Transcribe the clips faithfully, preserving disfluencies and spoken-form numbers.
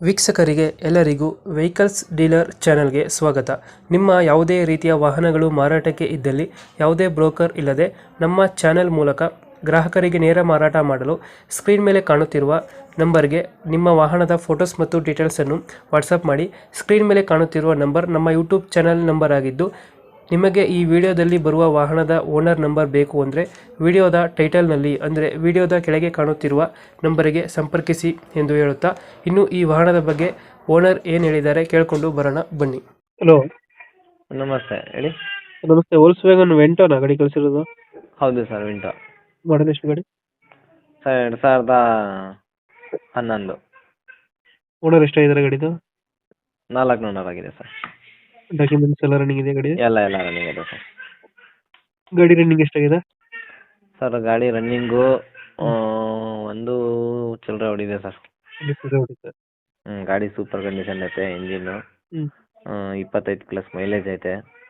ವೀಕ್ಷಕರಿಗೆ ಎಲ್ಲರಿಗೂ vehicles dealer ಚಾನೆಲ್ಗೆ ಸ್ವಾಗತ. ನಿಮ್ಮ ಯಾವುದೇ ರೀತಿಯ ವಾಹನಗಳು ಮಾರಾಟಕ್ಕೆ ಇದ್ದಲ್ಲಿ ಯಾವುದೇ ಬ್ರೋಕರ್ ಇಲ್ಲದೆ ನಮ್ಮ ಚಾನೆಲ್ ಮೂಲಕ ಗ್ರಾಹಕರಿಗೆ ನೇರ ಮಾರಾಟ ಮಾಡಲು ಸ್ಕ್ರೀನ್ ಮೇಲೆ ಕಾಣುತ್ತಿರುವ ನಂಬರ್ಗೆ ನಿಮ್ಮ ವಾಹನದ ಫೋಟೋಸ್ ಮತ್ತು ಡೀಟೇಲ್ಸನ್ನು ವಾಟ್ಸಪ್ ಮಾಡಿ. ಸ್ಕ್ರೀನ್ ಮೇಲೆ ಕಾಣುತ್ತಿರುವ ನಂಬರ್ ನಮ್ಮ ಯೂಟ್ಯೂಬ್ ಚಾನೆಲ್ ನಂಬರ್ ಆಗಿದ್ದು, ನಿಮಗೆ ಈ ವಿಡಿಯೋದಲ್ಲಿ ಬರುವ ವಾಹನದ ಓನರ್ ನಂಬರ್ ಬೇಕು ಅಂದರೆ ವಿಡಿಯೋದ ಟೈಟಲ್ನಲ್ಲಿ ಅಂದರೆ ವಿಡಿಯೋದ ಕೆಳಗೆ ಕಾಣುತ್ತಿರುವ ನಂಬರಿಗೆ ಸಂಪರ್ಕಿಸಿ ಎಂದು ಹೇಳುತ್ತಾ, ಇನ್ನು ಈ ವಾಹನದ ಬಗ್ಗೆ ಓನರ್ ಏನು ಹೇಳಿದ್ದಾರೆ ಕೇಳಿಕೊಂಡು ಬರೋಣ ಬನ್ನಿ. ಹಲೋ, ನಮಸ್ತೆ, ಹೇಳಿ. ನಮಸ್ತೆ. ವೋಲ್ಕ್ಸ್ವ್ಯಾಗನ್ ವೆಂಟೋನಾ ಗಾಡಿ ಕಳಿಸಿರೋದು? ಹೌದು ಸರ್, ವಿಂಟೋ. ಮಾಡಲ್ ಎಷ್ಟು ಗಾಡಿ? ಸರ್ ಎರಡು ಸಾವಿರದ ಹನ್ನೊಂದು. ಓನರ್ ಎಷ್ಟಾಗಿದ್ದಾರೆ ಗಾಡಿದು? ನಾಲ್ಕು ನೂರು ಆಗಿದೆ ಸರ್. ಡಾಕ್ಯುಮೆಂಟ್ಸ್ ಎಲ್ಲ ರನ್ನಿಂಗ್ ಇದೆ ಗಾಡಿ? ಎಲ್ಲ ಎಲ್ಲ ರನ್ನಿಂಗ್ ಇದೆ ಸರ್. ಗಾಡಿ ರನ್ನಿಂಗ್ ಎಷ್ಟಾಗಿದೆ? ಸರ್ ಗಾಡಿ ರನ್ನಿಂಗು ಒಂದು ಚಿಲ್ಲರೆ ಹೊಡಿದೆ ಸರ್. ಹ್ಞೂ ಗಾಡಿ ಸೂಪರ್ ಕಂಡೀಷನ್ ಐತೆ. ಇಂಜಿನ್ನು ಇಪ್ಪತ್ತೈದು ಪ್ಲಸ್ ಮೈಲೇಜ್ ಐತೆ.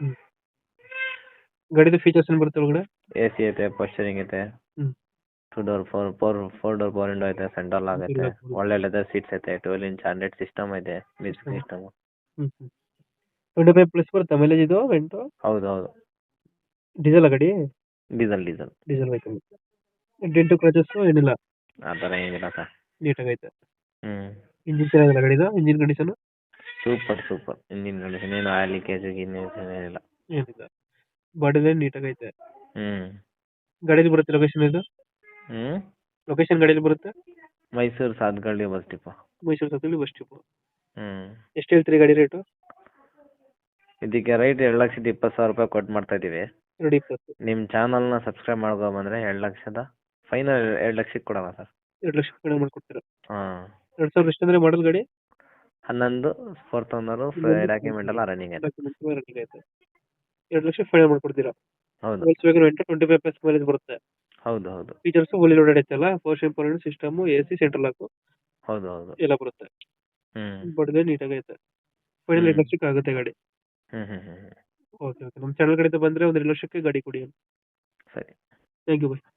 ಗಾಡಿದು ಫೀಚರ್ಸ್ ಏನು ಬರುತ್ತೆ ಒಳಗಡೆ? ಎ ಸಿ ಐತೆ, ಪೋಸ್ಚರಿಂಗ್ ಐತೆ, two door four four four door four window ಐತೆ, ಸೆಂಟ್ರಲ್ ಆಗೈತೆ, ಒಳ್ಳೆ ಲೆದರ್ ಸೀಟ್ಸ್ ಐತೆ, ಟ್ವೆಲ್ ಇಂಚ್ ಹಂಡ್ರೆಡ್ ಸಿಸ್ಟಮ್ ಐತೆ, music system. Twenty five plus ಬರುತ್ತೆ ಮೈಲೇಜ್ ಇದು ವೆಂಟೋ? ಹೌದು ಹೌದು. ಡೀಸೆಲ್ ಗಾಡಿ? Diesel diesel diesel vehicle. Dent scratches ಏನಿಲ್ಲ? ಆ ಥರ ಏನಿಲ್ಲ ಸರ್. ನೀಟಾಗೈತೆ. ಹ್ಞೂ ಇಂಜಿನ್ ಚೆನ್ನಾಗಿಲ್ಲ ಗಾಡಿದು? Engine condition super super. Engine condition ಏನು ಆಯಿಲ್ ಲೀಕೇಜ್ ಏನಿಲ್ಲ. ಏನಿಲ್ಲ. ಬಾಡಿ ಲೈನ್ ನೀಟಾಗೈತೆ. ಹ್ಞೂ ಗಾಡಿಯಲ್ಲಿ ಬರುತ್ತೆ ಲೊಕೇಶನ್ ಇದು? ಹ್ಞೂ ಲೊಕೇಶನ್ ಗಾಡಿಯಲ್ಲಿ ಬರುತ್ತೆ? Mysuru Sathagalli bus depot. ಮೈಸೂರು ಸತ್ತಲ್ಲಿ ಬಸ್ ಡಿಪೋ. ಹ್ಞೂ ಎಷ್ಟು ಹೇಳ್ತೀರಿ ಗಾಡಿ ರೇಟು? ಇದಕ್ಕೆ ರೈಟ್ ಎರಡು ಲಕ್ಷದ ಇಪ್ಪತ್ತು ಸಾವಿರ ರೂಪಾಯಿ ಕೊಟ್ಟು ಮಾಡ್ತಾ ಇದ್ದೀವಿ. ಎರಡು ಇಪ್ಪತ್ತು. ನಿಮ್ಮ ಚಾನಲ್ನ ಸಬ್ಸ್ಕ್ರೈಬ್ ಮಾಡ್ಕೊಂಬಂದ್ರೆ ಎರಡು ಲಕ್ಷದ ಫೈನಲ್ ಎರಡು ಲಕ್ಷಕ್ಕೆ ಕೊಡೋಣ ಸರ್. ಎರಡು ಲಕ್ಷ ಕಡಿಮೆ ಮಾಡ್ಕೊಡ್ತೀರಾ? ಹಾಂ. ಎರಡು ಸಾವಿರದ ಎಷ್ಟು ಅಂದರೆ ಮಾಡಲ್ ಗಾಡಿ? ಹನ್ನೊಂದು ಫೋರ್ತ್ ಓನರು, ಡಾಕ್ಯುಮೆಂಟ್ ಎಲ್ಲ ರನ್ನಿಂಗ್ ಐತೆ. ರನ್ನಿಂಗ್ ಐತೆ. ಎರಡು ಲಕ್ಷ ಫೈನಲ್ ಮಾಡ್ಕೊಡ್ತೀರಾ? ಹೌದು Volkswagen Vento twenty five plus mileage ಬರುತ್ತೆ. ಹೌದು ಹೌದು. ಫೀಚರ್ಸ್ ಫುಲ್ಲಿ ಲೋಡೆಡ್ ಐತಲ್ಲ? Four shape system, A C, central lock ಹೌದು ಹೌದು ಎಲ್ಲ ಬರುತ್ತೆ. ಹ್ಞೂ ಬಡದೆ ನೀಟಾಗೈತೆ. ಫೈನಲ್ ಎರಡು ಲಕ್ಷಕ್ಕೆ ಆಗುತ್ತೆ ಗಾಡಿ. ಹ್ಞೂ ಹ್ಞೂ ಹ್ಞೂ ಓಕೆ ಓಕೆ. ನಮ್ಮ ಚಾನಲ್ ಕಡೆಯಿಂದ ಬಂದರೆ ಒಂದು ಎರಡು ಲಕ್ಷಕ್ಕೆ ಗಾಡಿ ಕೊಡಿ. ಸರಿ. Thank you bye.